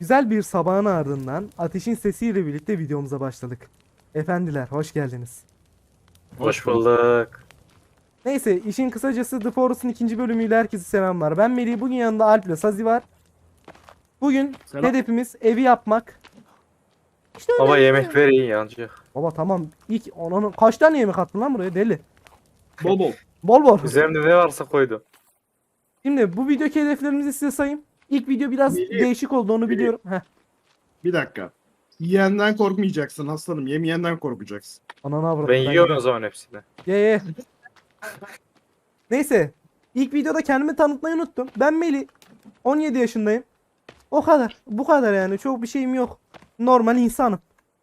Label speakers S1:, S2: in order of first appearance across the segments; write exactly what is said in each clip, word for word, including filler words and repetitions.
S1: Güzel bir sabahın ardından ateşin sesiyle birlikte videomuza başladık. Efendiler hoş geldiniz.
S2: Hoş bulduk.
S1: Neyse işin kısacası The Forest'ın ikinci bölümüyle herkese selamlar. Ben Melih, bugün yanında Alp ile Sazi var. Bugün
S2: Selam.
S1: hedefimiz evi yapmak. İşte
S2: Baba
S1: öyle.
S2: yemek ver iyi yancı.
S1: Baba tamam, ilk onun kaç tane yemek attın lan buraya deli.
S3: Bol bol.
S1: Bol bol.
S2: Üzerimde ne varsa koydum.
S1: Şimdi bu videodaki hedeflerimizi size sayayım. İlk video biraz
S3: Melih,
S1: değişik oldu, onu
S3: Melih.
S1: biliyorum. Heh.
S3: Bir dakika. Yiyenden korkmayacaksın aslanım. Yemeyenden korkacaksın.
S1: Ananı avradım.
S2: Ben yiyorum o
S1: gidiyorum.
S2: zaman hepsini.
S1: Ye ye. Neyse. İlk videoda kendimi tanıtmayı unuttum. Ben Melih. on yedi yaşındayım. O kadar. Bu kadar yani. Çok bir şeyim yok. Normal insanım.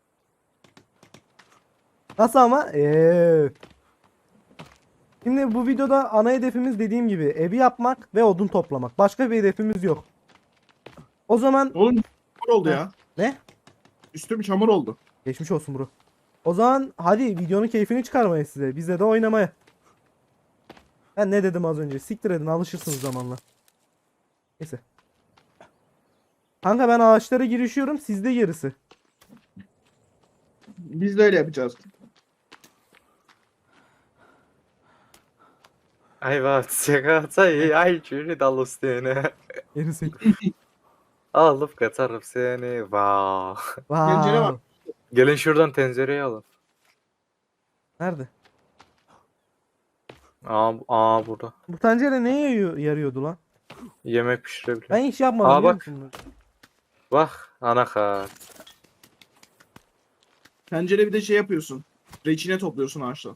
S1: Nasıl ama? Eee. Şimdi bu videoda ana hedefimiz dediğim gibi evi yapmak ve odun toplamak. Başka bir hedefimiz yok. O zaman
S3: Oğlum çamur oldu
S1: Ha.
S3: ya.
S1: ne?
S3: Üstüm çamur oldu.
S1: Geçmiş olsun bro. O zaman hadi videonun keyfini çıkarmaya size. Bize de oynamaya. Ben ne dedim az önce? Siktir edin, alışırsınız zamanla. Neyse. Kanka ben ağaçlara girişiyorum. Siz de gerisi.
S3: Biz de öyle yapacağız.
S2: Ayva çekatayı ay cüri dalustene.
S1: Gerisi.
S2: Alıp katarım seni. Vav.
S3: Pencere var.
S1: Wow.
S2: Gelin şuradan tencereyi alın.
S1: Nerede?
S2: Aa, aa burada.
S1: Bu tencere neye yarıyor- yarıyordu lan?
S2: Yemek pişirebiliyor.
S1: Ben hiç yapmadım.
S2: Aa,
S1: biliyor
S2: bak.
S1: musun?
S2: Bak anakart.
S3: Pencere bir de şey yapıyorsun. Reçine topluyorsun ağaçtan.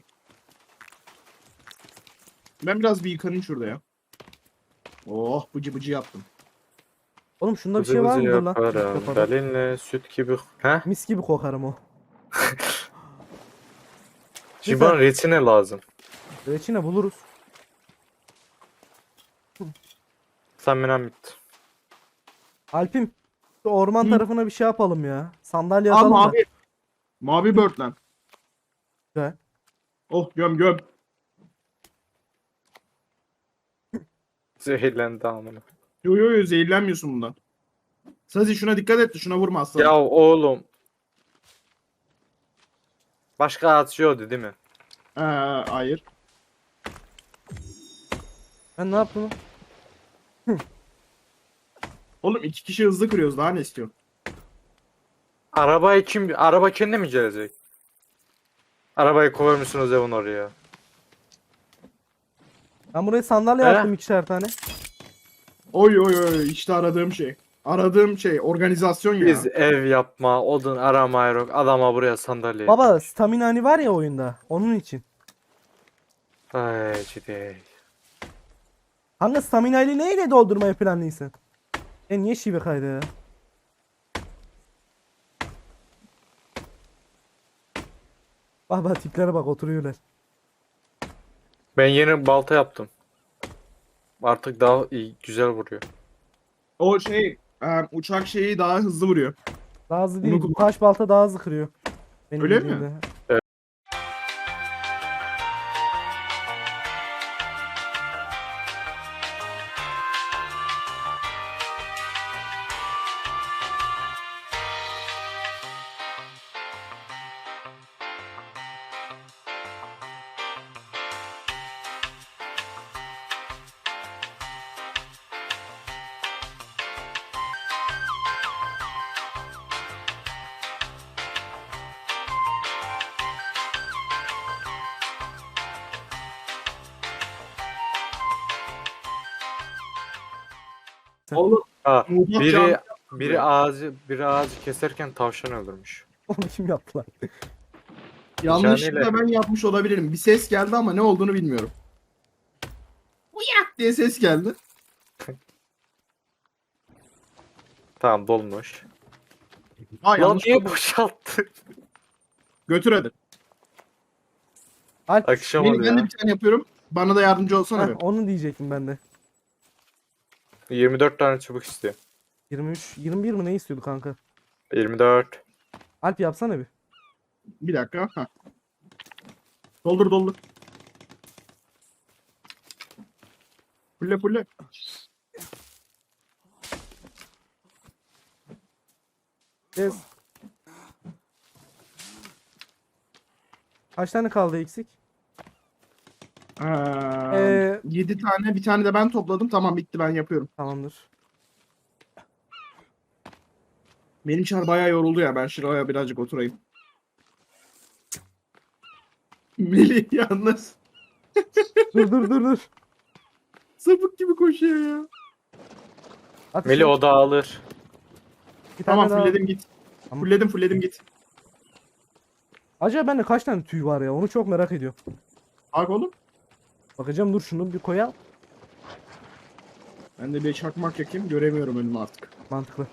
S3: Ben biraz bir yıkanayım şurada ya. Oh bıcı bıcı yaptım.
S1: Oğlum şunda bir
S2: Bızı
S1: şey var
S2: bızı
S1: mıdır lan?
S2: yaparım.
S1: Yaparım.
S2: Dalinle süt gibi. He?
S1: Mis gibi kokarım o.
S2: Şimdi
S1: Güzel.
S2: bana reçine lazım.
S1: Reçine buluruz.
S2: Tahminen bitti.
S1: Alpim. Şu orman
S3: Hı.
S1: tarafına bir şey yapalım ya. Sandalye
S3: Aa
S1: atalım da.
S3: mavi. Mavi börtlen.
S1: Güzel.
S3: Oh göm göm.
S2: Zehirlendi amına.
S3: Yo yo yo zehirlenmiyorsun bundan. Sazi şuna dikkat et de şuna vurma aslanım.
S2: Ya oğlum. Başka atıyordu değil mi?
S3: Ee, hayır.
S1: Ben ne yaptım?
S3: Oğlum iki kişi hızlı kırıyoruz daha ne istiyorsun?
S2: Arabayı kim... Araba kendi mi gelecek? Arabayı koymuşsunuz evin oraya.
S1: Ben buraya sandalye
S2: He?
S1: attım ikişer tane.
S3: Oy oy oy işte aradığım şey. Aradığım şey organizasyon ya.
S2: Biz ev yapma, odun arama yok. Adama buraya sandalye.
S1: Baba stamina hani var ya oyunda. Onun için.
S2: Ay ciddi.
S1: Hangi stamina ile neyle doldurmayı planlıyorsun? E niye şive kaydı ya? Baba tiplere bak, oturuyorlar.
S2: Ben yeni balta yaptım. Artık daha iyi, güzel vuruyor.
S3: O şey e, uçak şeyi daha hızlı vuruyor.
S1: Daha hızlı
S3: Onu
S1: değil.
S3: kullan-
S1: Taş balta daha hızlı kırıyor. Benim
S3: Öyle mi?
S1: bildiğimde.
S3: Oğlum
S2: Ha,
S3: Muğlak
S2: biri
S3: cami
S2: biri ağacı biri ağacı keserken tavşan öldürmüş.
S1: Onu kim yaptı lan?
S3: yanlışlıkla
S2: Caniyle.
S3: ben yapmış olabilirim. Bir ses geldi ama ne olduğunu bilmiyorum. Uyak diye ses geldi.
S2: Tamam dolmuş.
S3: Aa
S2: Lan
S3: yanlış.
S2: niye boşalttı?
S3: Götür hadi.
S1: Alp.
S2: Akşam
S3: Melih
S2: oldu
S3: ben de
S2: ya.
S3: bir tane yapıyorum. Bana da yardımcı olsana
S1: Heh,
S3: be.
S1: onu diyecektim ben de.
S2: yirmi dört tane çubuk istiyor.
S1: yirmi üç, yirmi bir mi ne istiyordu kanka?
S2: yirmi dört.
S1: Alp yapsana bir.
S3: Bir dakika. Ha. Doldur doldur. Fulle fulle.
S1: Kes. Kaç tane kaldı eksik?
S3: Ee,
S1: Ee,
S3: yedi tane, bir tane de ben topladım. Tamam, bitti, ben yapıyorum.
S1: Tamamdır.
S3: Benim çar bayağı yoruldu ya. Ben şuraya birazcık oturayım. Melih yalnız
S1: Dur dur dur dur.
S3: sapık gibi koşuyor ya.
S1: At
S2: Melih
S1: işi.
S2: o da alır.
S1: Bir tane
S3: Tamam,
S1: daha.
S3: fullledim git.
S1: Tamam.
S3: Fullledim fullledim git.
S1: Acaba bende kaç tane tüy var ya? Onu çok merak ediyorum.
S3: Bak oğlum.
S1: Bakacağım, dur şunu bir koyalım.
S3: Ben de bir çakmak yakayım. Göremiyorum önümü artık.
S1: Mantıklı.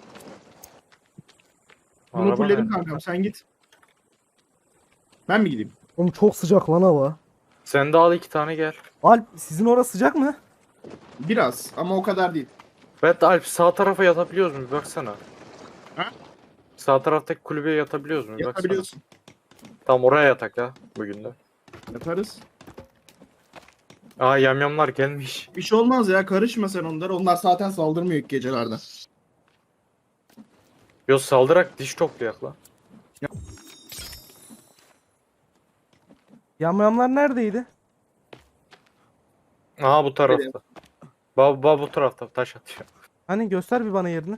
S3: Bunu
S2: Araba
S3: fullledim
S2: nerede?
S3: kankam, sen git. Ben mi gideyim?
S1: Oğlum çok sıcak lan hava.
S2: Sen de al iki tane gel.
S1: Alp, sizin orası sıcak mı?
S3: Biraz ama o kadar değil.
S2: Evet Alp, sağ tarafa yatabiliyoruz mu? Bir baksana.
S3: Ha?
S2: Sağ taraftaki kulübeye yatabiliyoruz mu? Bir baksana.
S3: Yatabiliyorsun.
S2: Tamam, oraya yatak ya bugün de.
S3: Yatarız.
S2: Aa, yamyamlar gelmiş.
S3: Bir şey olmaz ya, karışma sen onlara. Onlar zaten saldırmıyor ilk gecelerde.
S2: Yo, saldırak diş toplayak lan.
S1: Yamyamlar neredeydi?
S2: Aha, bu tarafta. Baba ba, bu tarafta taş atıyor.
S1: Hani göster bir bana yerini.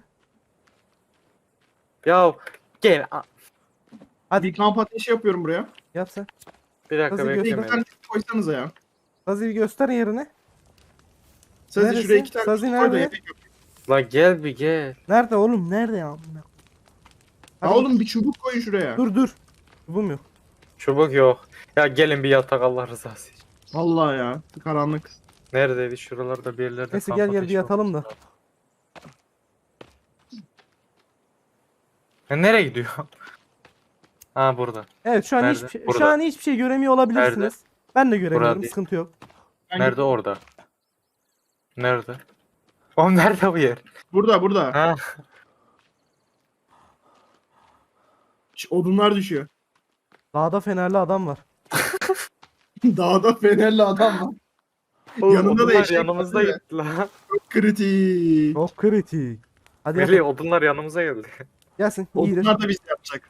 S2: Ya gel. a-
S1: Hadi
S3: Bir kamp ateşi yapıyorum buraya.
S1: yap sen.
S2: Bir dakika
S1: Nasıl
S3: Bir
S2: bekle
S3: iki
S2: Melih.
S3: tane koysanıza ya.
S1: Sazi göster yerini.
S3: Sazi
S1: Neresi?
S3: şuraya iki tane
S1: Sazi
S3: koy da
S1: nerede?
S3: yemek yap.
S2: Lan gel bir gel.
S1: Nerede oğlum? Nerede ya?
S3: Ha
S1: Hadi.
S3: oğlum, bir çubuk koyun şuraya.
S1: Dur dur. Çubuğum yok.
S2: Çubuk yok. Ya gelin bir yatak, Allah rızası için.
S3: Vallahi ya, karanlık.
S2: Neredeydi? Şuralarda bir yerlerde
S1: Neyse
S2: kamp
S1: gel gel bir
S2: ateşi
S1: yatalım da.
S2: olması lazım. Ya nereye gidiyor? Ha, burada.
S1: Evet, şu an
S2: Nerede?
S1: hiçbir şey, şu
S2: Burada.
S1: an hiçbir şey göremiyor olabilirsiniz. Ben de göremiyorum.
S2: değil.
S1: Sıkıntı yok.
S3: Ben
S2: Nerede
S3: gittim.
S2: orada? Nerede? Oğlum nerede bu yer?
S3: Burada burada.
S2: Ha?
S3: Ş- Odunlar düşüyor.
S1: Dağda fenerli adam var.
S3: Dağda fenerli adam var.
S2: Oğlum,
S3: Yanında da
S2: odunlar
S3: eşek
S2: yanımızda
S3: var, değil
S2: gitti lan.
S3: Çok kritik.
S1: Çok kritik. Hadi
S2: Melih,
S1: yapalım.
S2: odunlar yanımıza geldi.
S1: Gelsin. İyidir.
S3: Odunlar da biz yapacak.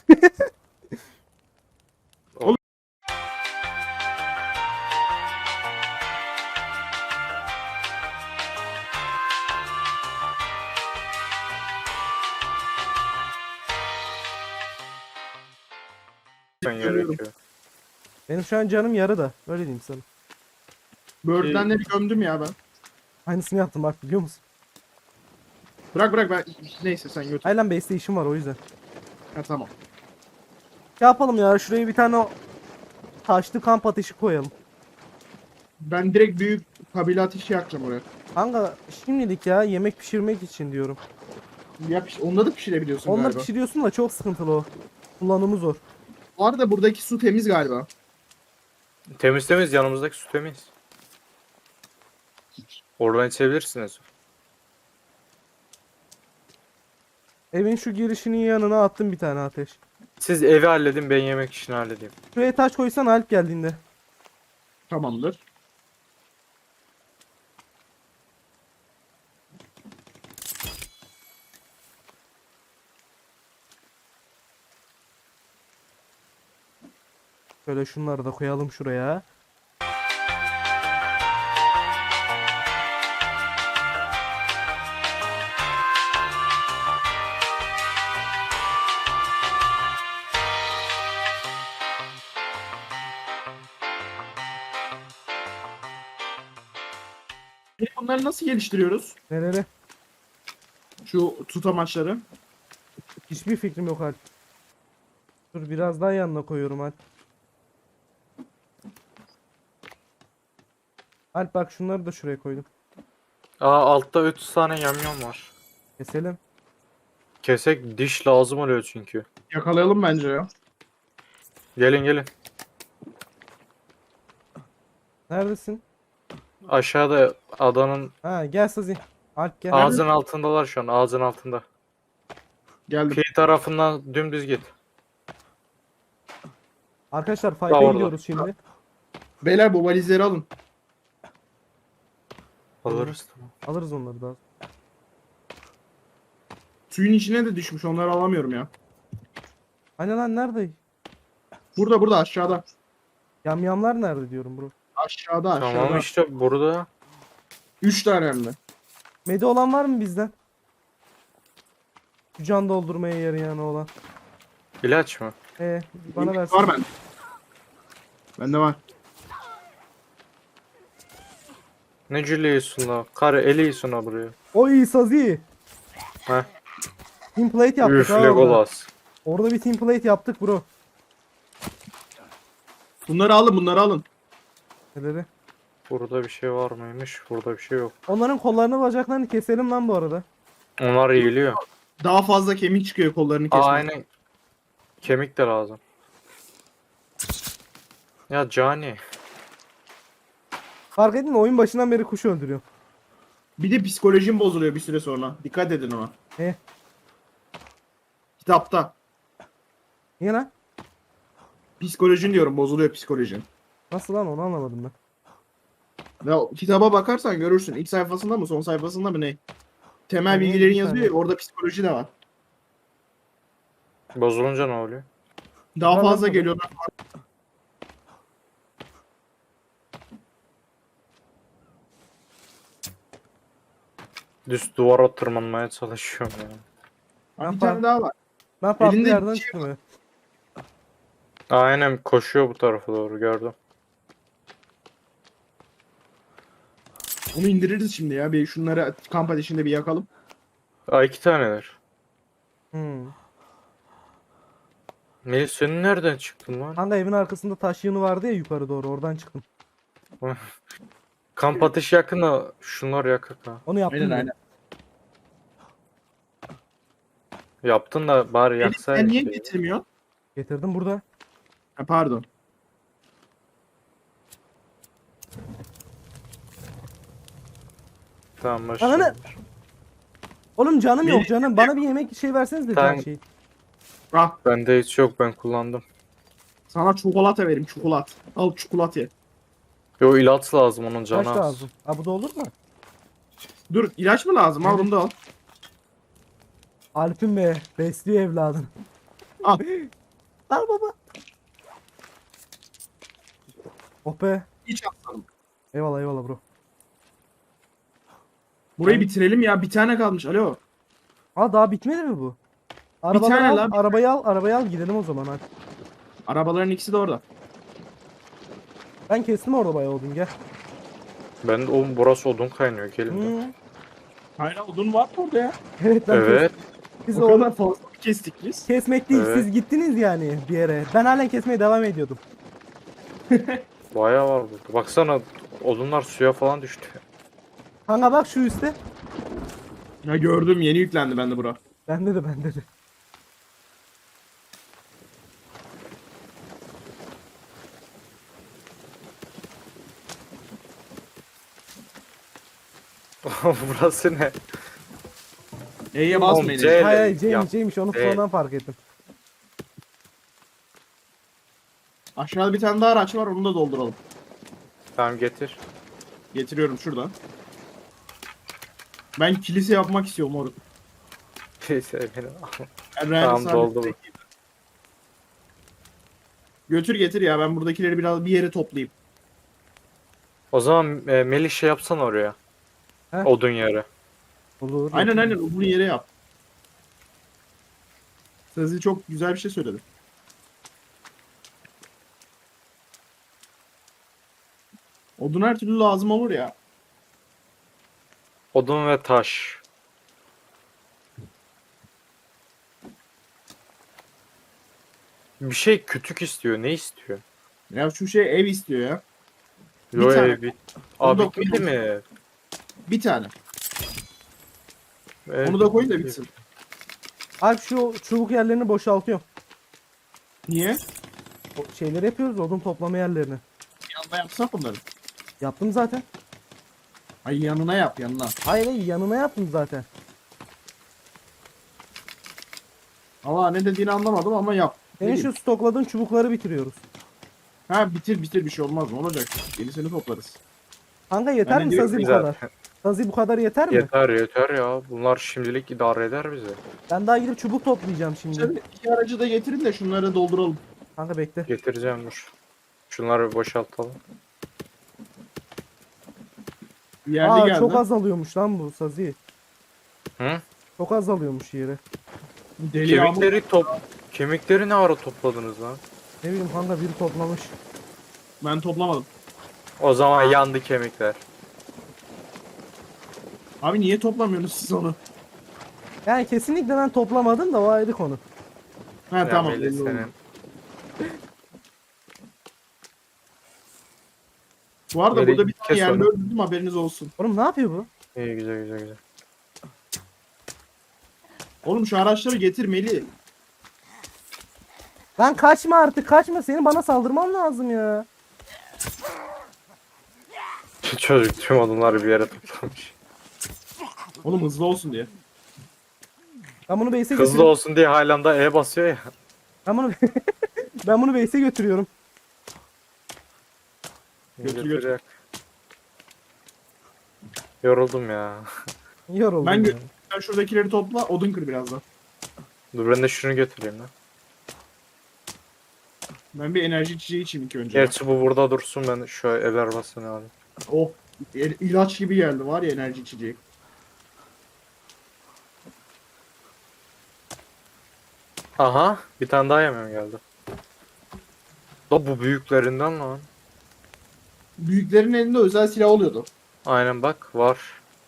S2: Ben
S3: Görüyorum.
S2: gerekiyor.
S1: Benim şu an canım yarı da. Öyle diyeyim sana.
S3: Böğürtlenleri gömdüm ya ben.
S1: Aynısını yaptım bak, biliyor musun?
S3: Bırak bırak, ben neyse sen götür.
S1: Haylan base'te işim var o yüzden.
S3: Ha, tamam.
S1: Ne yapalım ya? Şuraya bir tane o taşlı kamp ateşi koyalım.
S3: Ben direkt büyük kabile ateşi yakacağım oraya.
S1: Kanka şimdilik ya, yemek pişirmek için diyorum.
S3: Yap işte, onda da pişirebiliyorsun
S1: Onları
S3: galiba.
S1: pişiriyorsun da çok sıkıntılı o. Kullanımı zor.
S3: Bu arada buradaki su temiz galiba.
S2: Temiz temiz, yanımızdaki su temiz. Oradan içebilirsiniz.
S1: Evin şu girişinin yanına attım bir tane ateş.
S2: Siz evi halledin, ben yemek işini halledeyim.
S1: Şuraya taş koysan Alp geldiğinde.
S3: Tamamdır.
S1: Şöyle şunları da koyalım şuraya.
S3: Peki bunları nasıl geliştiriyoruz?
S1: Nereye?
S3: Şu tutamaçları.
S1: Hiçbir fikrim yok Alp. Dur biraz daha yanına koyuyorum Alp. Alp bak, şunları da şuraya koydum.
S2: Aa, altta üç tane yamyam var.
S1: Keselim.
S2: Kesek, diş lazım oluyor çünkü.
S3: Yakalayalım bence ya.
S2: Gelin gelin.
S1: Neredesin?
S2: Aşağıda adanın
S1: Ha gel Sazi. Alp gel.
S2: ağzın altındalar şu an, ağzın altında.
S3: Geldim.
S2: Kıyı tarafından dümdüz git.
S1: Arkadaşlar
S2: Daha
S1: fight'e
S2: orada.
S1: gidiyoruz şimdi.
S3: Beyler, bu valizleri alın.
S2: Alırız, tamam.
S1: Alırız onları daha.
S3: Suyun içine de düşmüş. Onları alamıyorum ya.
S1: Hani lan nerede?
S3: Burada burada aşağıda.
S1: Yamyamlar nerede diyorum bro.
S3: Aşağıda aşağıda.
S2: Tamam işte burada.
S3: Üç tane hem de.
S1: Medi olan var mı bizden? Şu can doldurmaya yarayan olan.
S2: İlaç mı?
S1: Ee, bana versin.
S3: Var bende. Bende var.
S2: Ne cüleyiyorsun la? Karı eliyorsun ha buraya.
S1: O iyi sazi.
S2: Heh.
S1: Team plate yaptık
S2: Üf
S1: ha orada.
S2: Legolas.
S1: Orada bir team plate yaptık bro.
S3: Bunları alın bunları alın.
S1: Neleri?
S2: Burada bir şey var mıymış? Burada bir şey yok.
S1: Onların kollarını bacaklarını keselim lan bu arada.
S2: Onlar yiyiliyor.
S3: Daha fazla kemik çıkıyor kollarını kesmek.
S2: Aa, aynen. Kemik de lazım. Ya Cani.
S1: Fark ettin mi? Oyun başından beri kuş öldürüyor.
S3: Bir de psikolojim bozuluyor bir süre sonra. Dikkat edin ona.
S1: He.
S3: Kitapta.
S1: Niye lan?
S3: Psikolojin diyorum bozuluyor psikolojin.
S1: Nasıl lan onu anlamadım ben.
S3: Ya kitaba bakarsan görürsün. İlk sayfasında mı son sayfasında mı ne? Temel
S1: Tamam,
S3: bilgilerin
S1: bir
S3: yazıyor
S1: saniye.
S3: ya orada psikoloji de var.
S2: Bozulunca ne oluyor?
S3: Daha
S1: Ben
S3: fazla
S1: bakmadım.
S3: geliyorlar.
S2: Düz duvara tırmanmaya çalışıyorum ya.
S3: Ha, bir
S1: Yapar.
S3: tane daha var.
S1: Ben farklı
S3: Elinde
S1: yerden
S3: bir şey
S1: çıkmıyor.
S2: Aynen koşuyor bu tarafa doğru gördüm.
S3: Onu indiririz şimdi ya. Bir şunları kamp ateşinde bir yakalım.
S2: Aa, iki taneler.
S1: Hmm.
S2: Melis senin nereden çıktın lan?
S1: Kanka evin arkasında taş yığını vardı ya yukarı doğru oradan çıktım.
S2: Kamp ateşi yakın da şunlar yakık ha.
S1: Onu yaptım.
S3: Aynen
S1: bile.
S3: aynen.
S2: Yaptın da bari
S3: Elif, sen
S2: yaksaydın.
S3: niye
S2: şeyi.
S3: getirmiyorsun?
S1: Getirdim burada.
S3: Ha, pardon.
S2: Tamam
S1: Ananı-
S2: başla.
S1: Oğlum canım yok
S3: Beni-
S1: canım. Bana bir yemek şey verseniz de
S2: Tamam.
S1: can şey.
S3: Ah
S2: Bende hiç yok, ben kullandım.
S3: sana çikolata vereyim çikolat. Al çikolat ye.
S2: Yo ilaç lazım, onun canı
S1: Taş
S2: az.
S1: lazım. Ha bu da olur mu?
S3: Dur ilaç mı lazım? Al bunu da al.
S1: Alp'in be. Besliyor evladını.
S3: Al.
S1: Al baba. Oh be.
S3: İç aslanım.
S1: Eyvallah eyvallah bro.
S3: Burayı bitirelim ya. Bir tane kalmış. Alo.
S1: Ha daha bitmedi mi bu? Arabaları
S3: tane
S1: al,
S3: lan, bir
S1: arabayı al, arabayı al gidelim o zaman hadi.
S3: Arabaların ikisi de orada.
S1: Ben kestim orada bayağı odun gel.
S2: Ben de oğlum burası odun kaynıyor, gelin de.
S1: Hı.
S3: Hayır odun var mı orada ya?
S1: Evet ben
S2: Evet.
S1: kes- Biz
S3: O
S1: de onu
S3: kadar fazla kestik biz.
S1: kesmek değil
S2: Evet.
S1: siz gittiniz yani bir yere. Ben halen kesmeye devam ediyordum.
S2: Bayağı var burada. Baksana odunlar suya falan düştü.
S1: Kanka bak şu üstte.
S3: Ya gördüm yeni yüklendi bende bura.
S1: Bende de bende de.
S2: Burası ne?
S3: E'ye
S2: Oğlum,
S3: basmayın.
S2: C-
S3: Elif.
S1: Hayır
S2: Öyle
S1: hayır C'ymiş
S2: yap.
S1: C'ymiş onu
S2: Evet.
S1: sonradan fark ettim.
S3: Aşağıda bir tane daha araç var onu da dolduralım.
S2: Tamam getir.
S3: Getiriyorum şuradan. Ben kilise yapmak istiyorum moruk.
S2: Neyse beni.
S3: Ben real
S2: Tamam,
S3: sabit
S2: doldu bu.
S3: bekleyeyim. Götür getir ya ben buradakileri biraz bir yere toplayayım.
S2: O zaman e, Melih şey yapsan oraya.
S1: He?
S2: Odun yere.
S1: Olur.
S3: Aynen aynen bunu yere yap. Sezgi çok güzel bir şey söyledi. Odun her türlü lazım olur ya.
S2: Odun ve taş. Bir şey kütük istiyor. Ne istiyor?
S3: Ya şu şey ev istiyor ya. Bir
S2: Yo
S3: tane.
S2: ev bit.
S3: Onu
S2: Abi
S3: da
S2: bitmedi mi?
S3: Bir tane.
S2: Evet.
S3: Onu da koy da bitsin.
S1: Alp şu çubuk yerlerini boşaltıyorum.
S3: Niye?
S1: O şeyleri yapıyoruz odun toplama yerlerini.
S3: Yanına yapsak onları.
S1: Yaptım zaten.
S3: Ay yanına yap yanına.
S1: Hayır hayır yanına yaptım zaten.
S3: Allah ne dediğini anlamadım ama yap. Ne
S1: Senin
S3: diyeyim?
S1: şu stokladığın çubukları bitiriyoruz.
S3: Ha bitir bitir bir şey olmaz ne olacak? Yenisini toplarız.
S1: Kanka yeter
S3: Ben de
S1: mi
S3: diyorum
S1: Sazi bu
S2: güzel.
S1: kadar? Sazi bu kadar yeter mi?
S2: Yeter yeter ya. Bunlar şimdilik idare eder bizi.
S1: Ben daha gidip çubuk toplayacağım şimdi.
S3: Şimdi iki aracı da getirin de şunları dolduralım.
S1: Kanka bekle.
S2: Getireceğim dur. Şunları bir boşaltalım.
S3: Yerli
S1: Aa
S3: geldi.
S1: çok azalıyormuş lan bu Sazi.
S2: Hı?
S1: Çok azalıyormuş yeri.
S3: Deli yağmur.
S2: Kemikleri top Kemikleri ne ara topladınız lan?
S1: Ne bileyim kanka biri toplamış.
S3: Ben toplamadım.
S2: O zaman yandı kemikler.
S3: Abi niye toplamıyorsunuz siz onu?
S1: Yani kesinlikle ben toplamadım da o ayrı konu.
S3: Ha
S2: Ya
S3: tamam.
S2: Melih
S3: belli oldu.
S2: senin.
S3: Bu arada
S2: Melih,
S3: burada bir tane
S2: kes
S3: yerli
S2: onu.
S3: öldürdüm, haberiniz olsun.
S1: Oğlum ne yapıyor bu?
S2: İyi güzel güzel güzel.
S3: Oğlum şu araçları getir Melih.
S1: Lan kaçma artık kaçma, senin bana saldırman lazım ya.
S2: Çocuk tüm odunları bir yere toplamış.
S3: Oğlum hızlı olsun diye.
S1: Ben bunu base'e
S2: Hızlı
S1: götürüyorum.
S2: olsun diye halen E basıyor ya.
S1: Ben bunu ben bunu base'e götürüyorum.
S3: Götür,
S2: Götür
S3: götür.
S2: yak. Yoruldum ya.
S1: Yoruldum
S3: Ben
S1: ya.
S3: gö- Sen şuradakileri topla, odun kır birazdan.
S2: Dur ben de şunu götüreyim lan.
S3: Ben bir enerji içeceği içeyim ilk önce.
S2: Gerçi bu burada dursun, ben şu el arabasını alayım.
S3: Oh, il- ilaç gibi geldi var ya enerji içeceği.
S2: Aha, bir tane daha yemeğim geldi. Da bu büyüklerinden lan.
S3: Büyüklerin elinde özel silah oluyordu.
S2: Aynen bak var.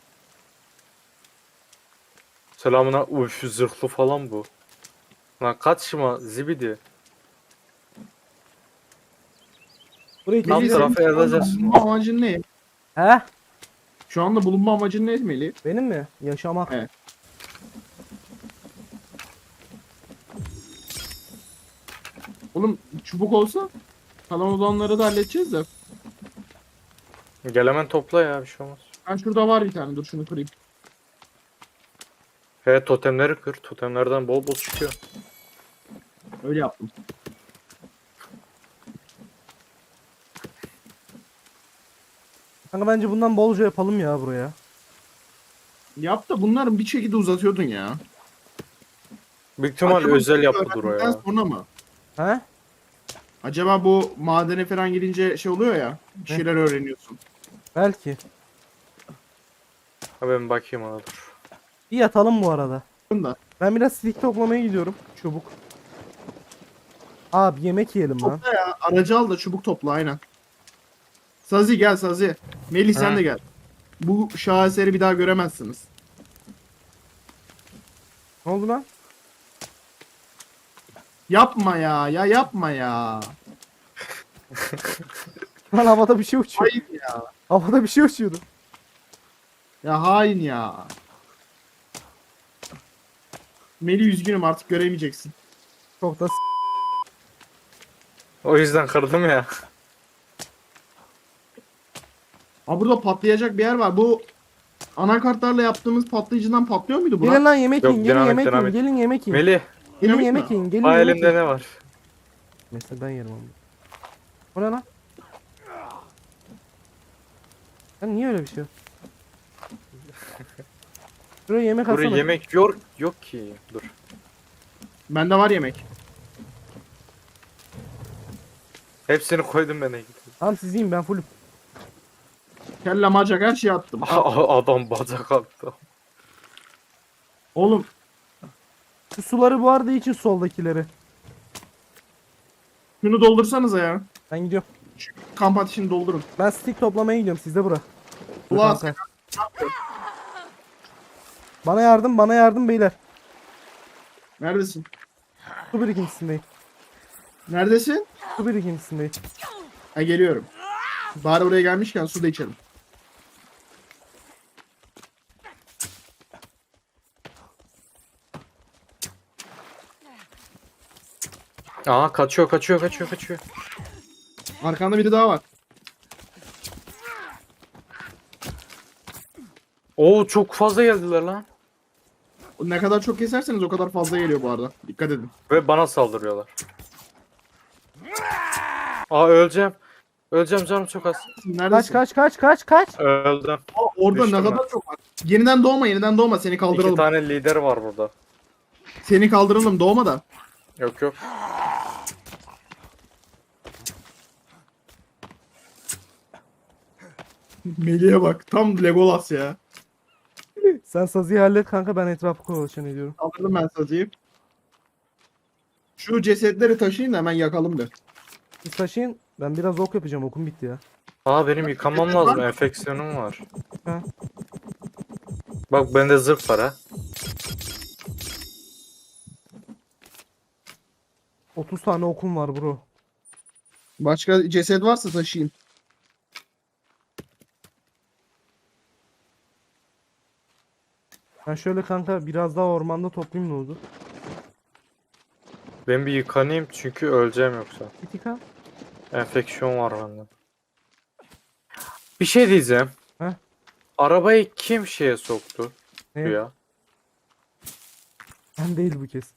S2: Selamına uf zırhlı falan bu. Lan kaçma zibidi.
S1: Burayı
S2: Tam
S3: Melih,
S1: kesiyorum.
S2: tarafı
S3: senin şu anda
S2: yazacağız.
S3: bulunma amacın ne?
S1: He?
S3: Şu anda bulunma amacın ne Melih?
S1: Benim mi? Yaşamak.
S3: Evet. Oğlum çubuk olsa kalan olanları da halledeceğiz de.
S2: Gel hemen topla ya, bir şey olmaz.
S3: Ben şurada var bir tane, dur şunu kırayım.
S2: He totemleri kır. Totemlerden bol bol çıkıyor.
S3: Öyle yaptım.
S1: Kanka bence bundan bolca yapalım ya buraya.
S3: Yap da bunların bir şekilde uzatıyordun ya.
S2: Büyük ihtimal
S3: Acaba
S2: özel
S3: bu
S2: yapıdır o
S3: öğrendikten
S2: ya.
S3: sonra mı?
S1: He?
S3: Acaba bu madene falan girince şey oluyor ya, bir
S1: Ne?
S3: şeyler öğreniyorsun.
S1: Belki.
S2: Ha ben bakayım ona dur.
S1: Bir yatalım bu arada.
S3: Da.
S1: Ben biraz stick toplamaya gidiyorum. Çubuk. Abi yemek yiyelim lan.
S3: Topla ya, aracı al da çubuk topla aynen. Sazi gel Sazi. Melih sen
S2: Hı.
S3: de gel. Bu şaheseri bir daha göremezsiniz.
S1: Ne oldu lan?
S3: Yapma ya, ya yapma ya.
S1: Lan havada bir şey uçuyor.
S3: Hain ya.
S1: Havada bir şey uçuyordu.
S3: Ya hain ya. Melih üzgünüm, artık göremeyeceksin.
S1: Çok da s-
S2: O yüzden kırdım ya.
S3: Ha burada patlayacak bir yer var. Bu anakartlarla yaptığımız patlayıcıdan patlıyor muydu
S1: Gelin
S3: Burak?
S1: lan yemek
S2: Yok,
S1: yiyin. Gelin
S2: dinamit,
S1: yemek yiyin.
S2: dinamit.
S1: Gelin yemek yiyin.
S2: Melih,
S1: Gelin
S3: Dinamit
S1: yemek
S3: mi?
S1: yiyin. Gelin
S2: ha
S1: yemek
S2: elimde
S1: yiyin.
S2: ne var?
S1: Mesela ben yerim onu. O ne lan? Lan niye öyle bir şey? Şuraya yemek
S2: Buraya
S1: alsana.
S2: yemek yok yok ki. Dur.
S3: Bende var yemek.
S2: Hepsini koydum ben.
S1: Tamam siz yiyin, ben fullüm.
S3: Kelle macak her şeyi attım.
S2: Adam bacak attı.
S3: Oğlum
S1: Şu suları bu arada için soldakileri.
S3: şunu doldursanıza ya.
S1: Ben gidiyorum.
S3: Kamp ateşini doldurun.
S1: Ben stick toplamaya gidiyorum. Siz de bura. Dur
S3: Ulan
S1: kanka. Bana yardım, bana yardım beyler.
S3: Neredesin?
S1: Su birikintisindeyim.
S3: Neredesin?
S1: Su birikintisindeyim.
S3: Ha geliyorum. Bari buraya gelmişken su da içelim.
S2: Aa kaçıyor kaçıyor kaçıyor kaçıyor.
S3: Arkanda biri daha var.
S2: Oo çok fazla geldiler lan.
S3: Ne kadar çok keserseniz o kadar fazla geliyor bu arada. Dikkat edin.
S2: Ve bana saldırıyorlar. Aa öleceğim. Öleceğim canım çok az.
S3: Neredesin?
S1: Kaç kaç kaç kaç kaç.
S2: Öldüm.
S3: Aa, orada
S2: Düştüm
S3: ne
S2: ben.
S3: kadar çok var. Yeniden doğma, yeniden doğma. Seni
S2: İki
S3: kaldıralım.
S2: tane lider var burada.
S3: Seni kaldıralım, doğma da.
S2: Yok yok.
S3: Melih'e bak. Tam Legolas ya.
S1: Sen Sazi'yi hallet kanka, ben etrafı kovalaşan ediyorum.
S3: Kaldırdım ben sazıyı. Şu cesetleri taşıyın da hemen yakalım de.
S1: Siz taşıyın, ben biraz ok yapacağım, okum bitti ya.
S2: Aa benim yıkamam lazım. Enfeksiyonum var.
S1: Ha.
S2: Bak bende zırh var ha.
S1: otuz tane okum var bro.
S3: Başka ceset varsa taşıyın.
S1: Ben şöyle kanka biraz daha ormanda toplayayım, ne oldu?
S2: Ben bir yıkanayım çünkü öleceğim yoksa.
S1: Bitika.
S2: Enfeksiyon var bende. Bir şey diyeceğim.
S1: Heh.
S2: Arabayı kim şeye soktu?
S1: Ne?
S2: Ya.
S1: Ben değil bu kez.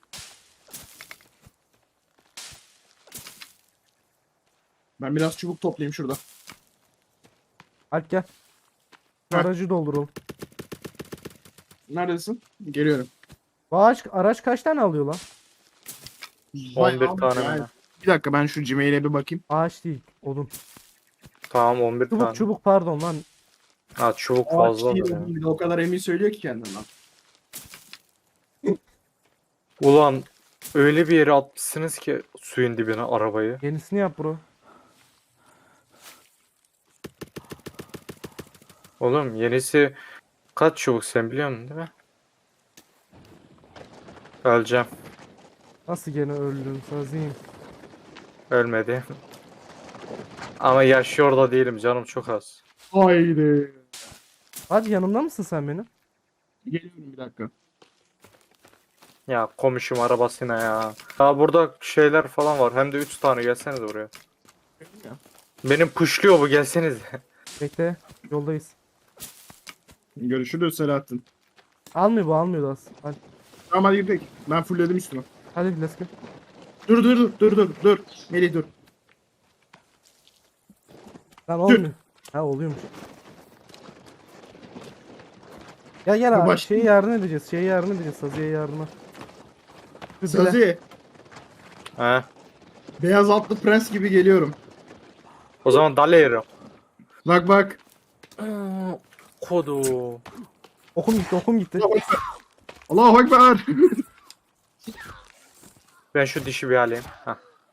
S3: Ben biraz çubuk toplayayım şurada.
S1: Alp gel.
S3: Heh.
S1: Aracı dolduralım.
S3: Neredesin? Geliyorum.
S1: Bu araç, araç kaç tane alıyor lan?
S2: on bir
S3: Bayağı
S2: tane
S3: yani.
S2: mi?
S3: Bir dakika ben şu Gmail'e bir bakayım.
S1: Ağaç değil, odun.
S2: Tamam on bir
S1: Çubuk
S2: tane.
S1: çubuk pardon lan.
S2: Ha çubuk
S3: Ağaç
S2: fazla
S3: değil,
S2: da ya.
S3: bir de o kadar emin söylüyor ki kendinden.
S2: Ulan öyle bir yere atmışsınız ki suyun dibine arabayı.
S1: Yenisini yap bro.
S2: Oğlum yenisi kaç çubuk sen biliyor musun değil mi? Öleceğim.
S1: Nasıl gene öldün Saziyim?
S2: Ölmedi. Ama yaşıyor da değilim canım çok az.
S3: Haydi.
S1: Hadi yanımda mısın sen benim?
S3: Geliyorum bir dakika.
S2: Ya komşum arabasına ya. Ya burada şeyler falan var. Hem de üç tane gelseniz buraya.
S3: Ya.
S2: Benim puşluyor bu gelseniz.
S1: Bekle, yoldayız.
S3: Görüşürüz Selahattin.
S1: Almıyor bu, almıyor da az. Hadi,
S3: Tamam hadi gidelim. Ben fullledim üstüme.
S1: hadi let's go.
S3: Dur dur dur dur dur dur. Melih dur.
S1: Lan olmuyor. Ha oluyormuş. Gel gel
S3: Dur,
S1: abi,
S3: baş-
S1: şeye yardım edeceğiz. Şeye yardım edeceğiz, Sazi'ye yardıma. Dur, bile.
S3: Sazi.
S2: He.
S3: Beyaz atlı prens gibi geliyorum.
S2: O zaman dalerim.
S3: Bak bak.
S2: Kodu.
S1: Okum gitti, okum gitti.
S3: Allahu Ekber.
S2: Ben şu dişi bir alayım. Heh.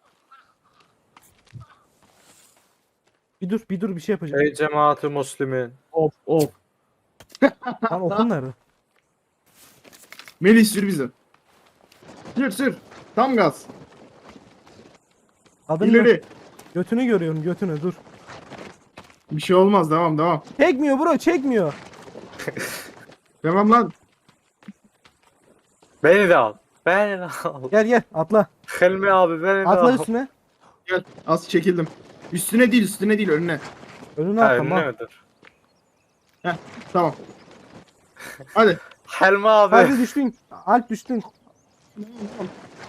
S1: Bir dur, bir dur bir şey yapacağım.
S2: Ey cemaati muslimin.
S3: Of of.
S1: Lan okum nerede?
S3: Melih sür bizi. Sür sür. Tam gaz.
S1: Adını
S3: İleri.
S1: götünü görüyorum, götünü dur.
S3: Bir şey olmaz devam devam.
S1: Çekmiyor bro, çekmiyor.
S3: Devam lan.
S2: Beni de al. Beni de al.
S1: Gel gel atla.
S2: Helmi abi beni de
S1: Atla
S2: al.
S1: üstüne.
S3: Gel. Az çekildim. Üstüne değil üstüne değil önüne.
S1: Önüne
S2: Ha,
S1: atla.
S2: önüne
S1: mal.
S2: midir?
S3: Tamam. Hadi.
S2: Helmi abi.
S1: Hadi düştün. Alp düştün.
S2: Helmi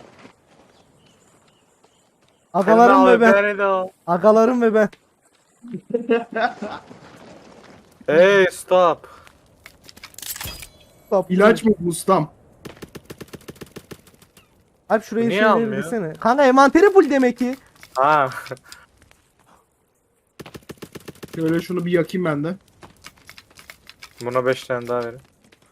S1: Agalarım
S2: abi
S1: ve ben.
S2: beni de al.
S1: Agalarım ve ben.
S2: Hey stop.
S1: Stop.
S3: İlaç mı bu ustam?
S1: Alp şurayı
S2: Niye
S1: şeyleri
S2: almıyor?
S1: bilsene. Kanka envanteri full demek ki.
S2: Ha.
S3: Şöyle şunu bir yakayım ben de.
S2: Buna beş tane daha verin.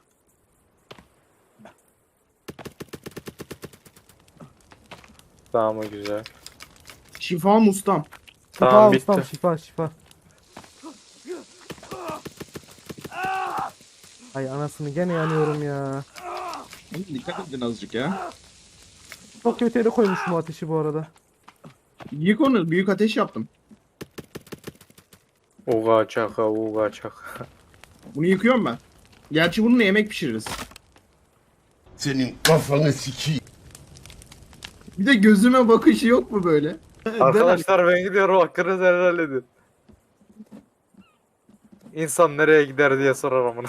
S2: Tamam o güzel.
S3: Şifa mı ustam?
S1: Şifa
S2: Tamam bitti.
S1: ustam, şifa şifa. Ay anasını gene yanıyorum ya.
S3: Dikkat edin azıcık ya.
S1: Çok kötü yere koymuşum bu ateşi bu arada.
S3: Yık onu. Büyük ateş yaptım.
S2: Uga çaka uga çaka.
S3: Bunu yıkıyorum ben. Gerçi bununla yemek pişiririz.
S4: Senin kafanı sikeyim.
S3: Bir de gözüme bakışı yok mu böyle?
S2: Arkadaşlar ben gidiyorum hakkınız helal edin. İnsan nereye gider diye sorar amına.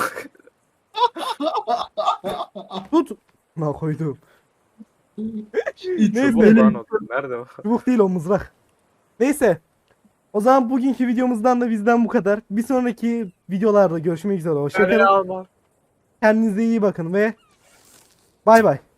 S1: Tut. Ne koydum.
S3: Hiç
S1: Neyse.
S2: Çubuk
S3: benim-
S2: lan o. Nerede o?
S1: Çubuk değil o, mızrak. Neyse. O zaman bugünkü videomuzdan da bizden bu kadar. Bir sonraki videolarda görüşmek üzere.
S2: Beni
S1: Hoşçakalın.
S2: alma.
S1: Kendinize iyi bakın ve bay bay.